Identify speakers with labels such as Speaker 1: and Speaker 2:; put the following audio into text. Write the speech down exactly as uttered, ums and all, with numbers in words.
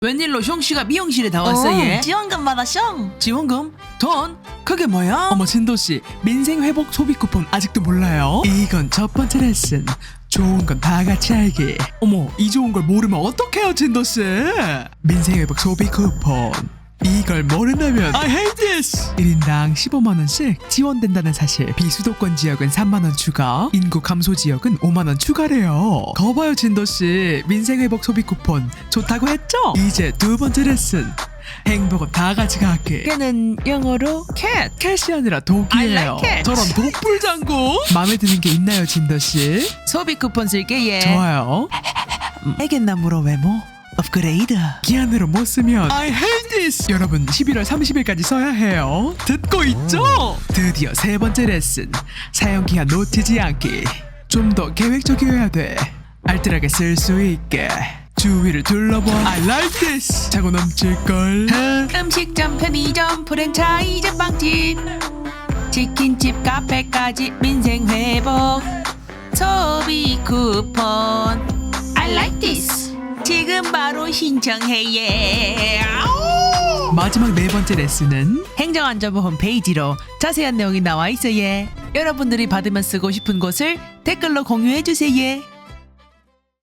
Speaker 1: 웬일로 형씨가 미용실에 다 왔어 얘?
Speaker 2: 지원금 받았쇼.
Speaker 1: 지원금? 돈? 그게 뭐야? 어머 진도씨, 민생회복 소비 쿠폰 아직도 몰라요? 이건 첫 번째 레슨. 좋은 건 다 같이 알기. 어머, 이 좋은 걸 모르면 어떡해요 진도씨. 민생회복 소비 쿠폰, 이걸 모른다면 I hate this! 일 인당 십오만 원씩 지원된다는 사실. 비수도권 지역은 삼만 원 추가, 인구 감소 지역은 오만 원 추가래요. 거봐요 진도씨, 민생회복 소비 쿠폰 좋다고 했죠? 이제 두 번째 레슨. 행복은 다 같이 갖기. 걔는 영어로 캣. 캣이 아니라 독이에요.
Speaker 2: I like it.
Speaker 1: 저런 독불장구. 마음에 드는 게 있나요 진도씨? 소비 쿠폰 쓸게 얘. 좋아요. 애견나무로 외모 업그레이드. 기한으로 못 쓰면 I hate this. 여러분 십일월 삼십일까지 써야 해요. 듣고 있죠? 드디어 세 번째 레슨. 사용기한 놓치지 않기. 좀 더 계획적이어야 돼. 알뜰하게 쓸 수 있게. 주위를 둘러봐. I like this. 차고 넘칠걸.
Speaker 2: 음식점, 편의점, 프랜차이즈 빵집, 치킨집, 카페까지 민생회복 소비 쿠폰 I like this. 지금 바로 신청해 예. 아우!
Speaker 1: 마지막 네 번째 레슨은
Speaker 2: 행정안전부 홈페이지로 자세한 내용이 나와 있어 예. 여러분들이 받으면 쓰고 싶은 곳을 댓글로 공유해 주세요 예.